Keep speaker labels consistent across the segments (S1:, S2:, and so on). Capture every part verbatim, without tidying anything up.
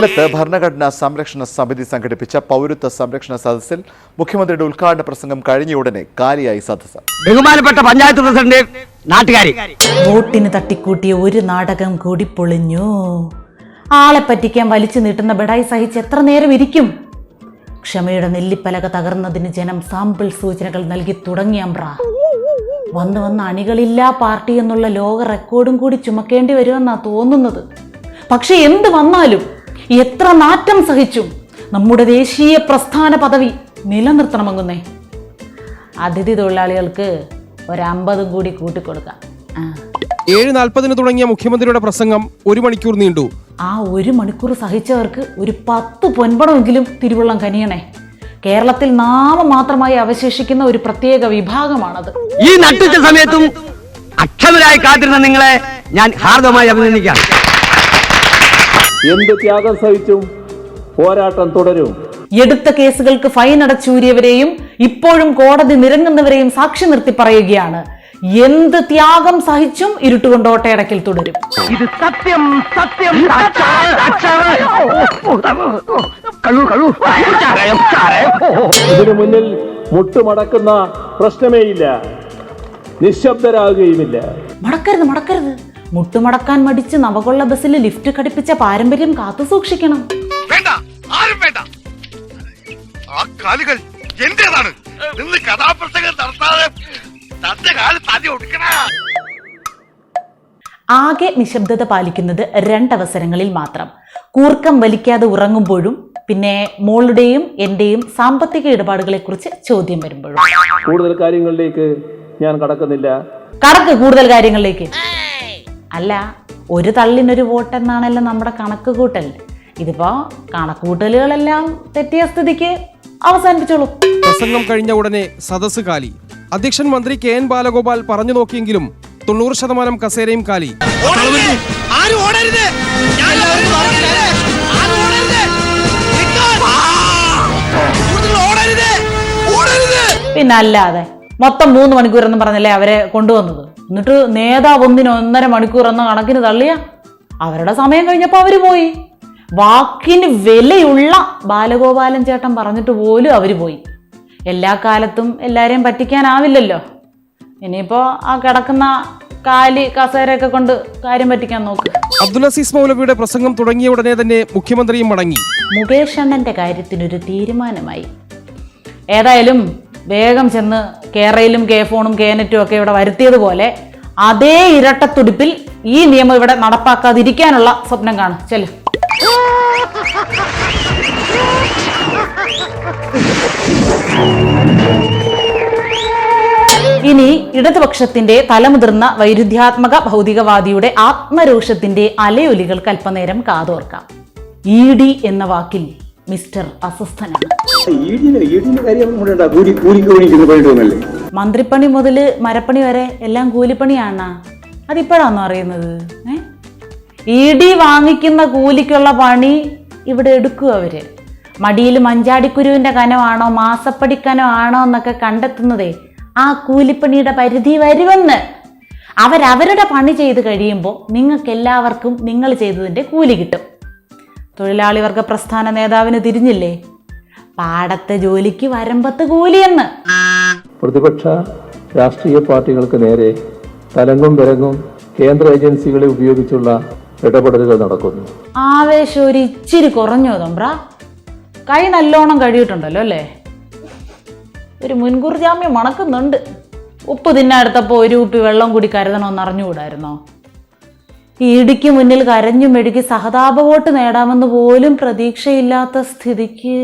S1: കൊല്ലത്ത് ഭരണഘടനാ സംരക്ഷണ സമിതി സംഘടിപ്പിച്ച പൗരത്വ സംരക്ഷണ സദസ്സിൽ മുഖ്യമന്ത്രിയുടെ ഉദ്ഘാടന പ്രസംഗം കഴിഞ്ഞയുടനെ കാലിയായി സദസ്സ്.
S2: ബഹുമാനപ്പെട്ട പഞ്ചായത്ത് പ്രസിഡന്റ്, നാട്ടുകാരി,
S3: വോട്ടിന് തട്ടിക്കൂട്ടിയ ഒരു നാടകം കൂടി പൊളിഞ്ഞു. ആളെ പറ്റിക്കാൻ വലിച്ചു നീട്ടുന്ന ബെടായി സഹിച്ച് എത്ര നേരം ഇരിക്കും? ക്ഷമയുടെ നെല്ലിപ്പലക തകർന്നതിന് ജനം സാമ്പിൾ സൂചനകൾ നൽകി തുടങ്ങിയമ്പ്ര. വന്ന് വന്ന് അണികളില്ലാ പാർട്ടി എന്നുള്ള ലോക റെക്കോർഡും കൂടി ചുമക്കേണ്ടി വരുമെന്നാ തോന്നുന്നത്. പക്ഷെ എന്ത് വന്നാലും എത്ര നാറ്റം സഹിച്ചും നമ്മുടെ ദേശീയ പ്രസ്ഥാന പദവി നിലനിർത്തണമെന്നേ. അതിഥി തൊഴിലാളികൾക്ക് ഒരമ്പതും കൂടി കൂട്ടിക്കൊടുക്കാം.
S4: ഏഴ് നാൽപ്പതിന് തുടങ്ങിയ മുഖ്യമന്ത്രിയുടെ പ്രസംഗം ഒരു മണിക്കൂർ നീണ്ടു.
S3: ആ ഒരു മണിക്കൂർ സഹിച്ചവർക്ക് ഒരു പത്ത് പൊൻപണമെങ്കിലും തിരുവള്ളം കനിയണേ. കേരളത്തിൽ നാമമാത്രമായി അവശേഷിക്കുന്ന ഒരു പ്രത്യേക വിഭാഗമാണത്.
S2: ഈ നട്ടുച്ച സമയത്തും അക്ഷമരായി കാത്തിരുന്ന നിങ്ങളെ ഞാൻ ഹാർദമായി അഭിനന്ദിക്കാം.
S5: എന്ത് ത്യാഗം സഹിച്ചും പോരാട്ടം തുടരും.
S3: എടുത്ത കേസുകൾക്ക് ഫൈൻ അടച്ചൂരിയവരെയും ഇപ്പോഴും കോടതി നിരങ്ങുന്നവരെയും സാക്ഷി നിർത്തി പറയുകയാണ്, എന്ത് ത്യാഗം സഹിച്ചും ഇരുട്ടുകൊണ്ട് ഓട്ടയടക്കിൽ തുടരും.
S2: ഇത് സത്യം സത്യം.
S5: ഇതിനു മുന്നിൽ മുട്ടുമടക്കുന്ന പ്രശ്നമേയില്ല, നിശബ്ദരാകുകയുമില്ല.
S3: മടക്കരുത് മടക്കരുത് മുട്ടുമടക്കാൻ മടിച്ച് നവകൊള്ള ബസ്സിൽ ലിഫ്റ്റ് ഘടിപ്പിച്ച പാരമ്പര്യം കാത്തു സൂക്ഷിക്കണം.
S6: വേണ്ട, ആരും വേണ്ട. ആ കാലുകൾ എന്റേതാണ്. നിന്ന് കഥാപ്രസംഗം നടത്താതെ തന്റെ കാല് തല്ലി ഒടുക്കണ.
S3: ആകെ നിശബ്ദത പാലിക്കുന്നത് രണ്ടവസരങ്ങളിൽ മാത്രം. കൂർക്കം വലിക്കാതെ ഉറങ്ങുമ്പോഴും പിന്നെ മോളുടെയും എന്റെയും സാമ്പത്തിക ഇടപാടുകളെ കുറിച്ച് ചോദ്യം വരുമ്പോഴും.
S5: കൂടുതൽ കാര്യങ്ങളിലേക്ക് ഞാൻ കടക്കുന്നില്ല.
S3: കടക്ക് കൂടുതൽ കാര്യങ്ങളിലേക്ക്. അല്ല, ഒരു തള്ളിനൊരു വോട്ട് എന്നാണല്ലോ നമ്മുടെ കണക്ക് കൂട്ടൽ. ഇതിപ്പോ കണക്ക് കൂട്ടലുകളെല്ലാം തെറ്റിയ സ്ഥിതിക്ക് അവസാനിപ്പിച്ചോളൂ.
S4: പ്രസംഗം കഴിഞ്ഞ ഉടനെ സദസ്സ് കാലി. അധ്യക്ഷൻ മന്ത്രി കെ എൻ ബാലഗോപാൽ പറഞ്ഞു നോക്കിയെങ്കിലും തൊണ്ണൂറ് ശതമാനം കസേരയും കാലി.
S3: പിന്നെ അല്ലാതെ മൊത്തം മൂന്ന് മണിക്കൂർ എന്ന് പറഞ്ഞല്ലേ അവരെ കൊണ്ടുവന്നത്. എന്നിട്ട് നേതാവ് ഒന്നിന് ഒന്നര മണിക്കൂർ എന്ന കണക്കിന് തള്ളിയ അവരുടെ സമയം കഴിഞ്ഞപ്പോൾ അവര് പോയി. വാക്കിന് വിലയുള്ള ബാലഗോപാലൻ ചേട്ടൻ പറഞ്ഞിട്ട് പോലും അവര് പോയി. എല്ലാ കാലത്തും എല്ലാരെയും പറ്റിക്കാനാവില്ലല്ലോ. ഇനിയിപ്പോ ആ കിടക്കുന്ന കാലി കസേരയൊക്കെ കൊണ്ട് കാര്യം പറ്റിക്കാൻ നോക്ക്.
S4: അബ്ദുൽ അസീസ് മൗലവിയുടെ പ്രസംഗം തുടങ്ങിയ ഉടനെ തന്നെ മുഖ്യമന്ത്രിയും മടങ്ങി.
S3: മുകേഷ് അണ്ണന്റെ കാര്യത്തിനൊരു തീരുമാനമായി. ഏതായാലും വേഗം ചെന്ന് കേരളയിലും കെ ഫോണും കേനറ്റും ഒക്കെ ഇവിടെ വരുത്തിയതുപോലെ അതേ ഇരട്ടത്തുടിപ്പിൽ ഈ നിയമം ഇവിടെ നടപ്പാക്കാതിരിക്കാനുള്ള സ്വപ്നം കാണും. ചെല്ലു. ഇനി ഇടതുപക്ഷത്തിന്റെ തലമുതിർന്ന വൈരുദ്ധ്യാത്മക ഭൗതികവാദിയുടെ ആത്മരോഷത്തിന്റെ അലയൊലികൾക്ക് അല്പനേരം കാതോർക്കാം. ഇ ഡി എന്ന വാക്കിൽ മിസ്റ്റർ അസ്വസ്ഥനാണ്. മന്ത്രിപ്പണി മുതല് മരപ്പണി വരെ എല്ലാം കൂലിപ്പണിയാണ്. അതിപ്പോഴാണോ അറിയുന്നത്? ഏ ഇ ഡി വാങ്ങിക്കുന്ന കൂലിക്കുള്ള പണി ഇവിടെ എടുക്കുക അവര്. മടിയിൽ മഞ്ചാടിക്കുരുവിന്റെ കനമാണോ മാസപ്പടി കനമാണോ എന്നൊക്കെ കണ്ടെത്തുന്നതേ ആ കൂലിപ്പണിയുടെ പരിധി വരുമെന്ന്. അവരവരുടെ പണി ചെയ്ത് കഴിയുമ്പോൾ നിങ്ങൾക്ക് എല്ലാവർക്കും നിങ്ങൾ ചെയ്തതിന്റെ കൂലി കിട്ടും. തൊഴിലാളി വർഗ പ്രസ്ഥാന നേതാവിന് തിരിഞ്ഞില്ലേ, പാടത്തെ ജോലിക്ക് വരമ്പത്ത് കൂലിയെന്ന്.
S5: പ്രതിപക്ഷ രാഷ്ട്രീയ പാർട്ടികൾക്ക് നേരെ തലങ്ങും വിലങ്ങും കേന്ദ്ര ഏജൻസികളെ ഉപയോഗിച്ചുള്ള ഇടപെടലുകൾ നടക്കുന്നു.
S3: ആവേശം ഒരു ഇച്ചിരി കുറഞ്ഞോ തമ്പ്ര? കൈ നല്ലോണം കഴിയിട്ടുണ്ടല്ലോ അല്ലേ? ഒരു മുൻകൂർ ജാമ്യം മണക്കുന്നുണ്ട്. ഉപ്പ് തിന്നാടുത്തപ്പോൾ ഒരു കുപ്പി വെള്ളം കൂടി കരുതണമെന്ന് അറിഞ്ഞുകൂടായിരുന്നോ? ഇടിക്ക് മുന്നിൽ കരഞ്ഞു മെഴുകി സഹതാപ വോട്ട് നേടാമെന്ന് പോലും പ്രതീക്ഷയില്ലാത്ത സ്ഥിതിക്ക്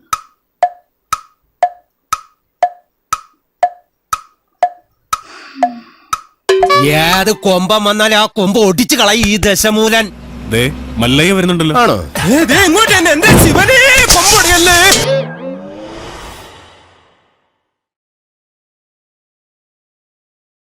S7: ഏത് കൊമ്പം വന്നാൽ ആ കൊമ്പ് ഒടിച്ചു കളയും ഈ ദശമൂലൻ.
S8: മല്ലയ്യ വരുന്നുണ്ടല്ലോ.
S7: ആണോ?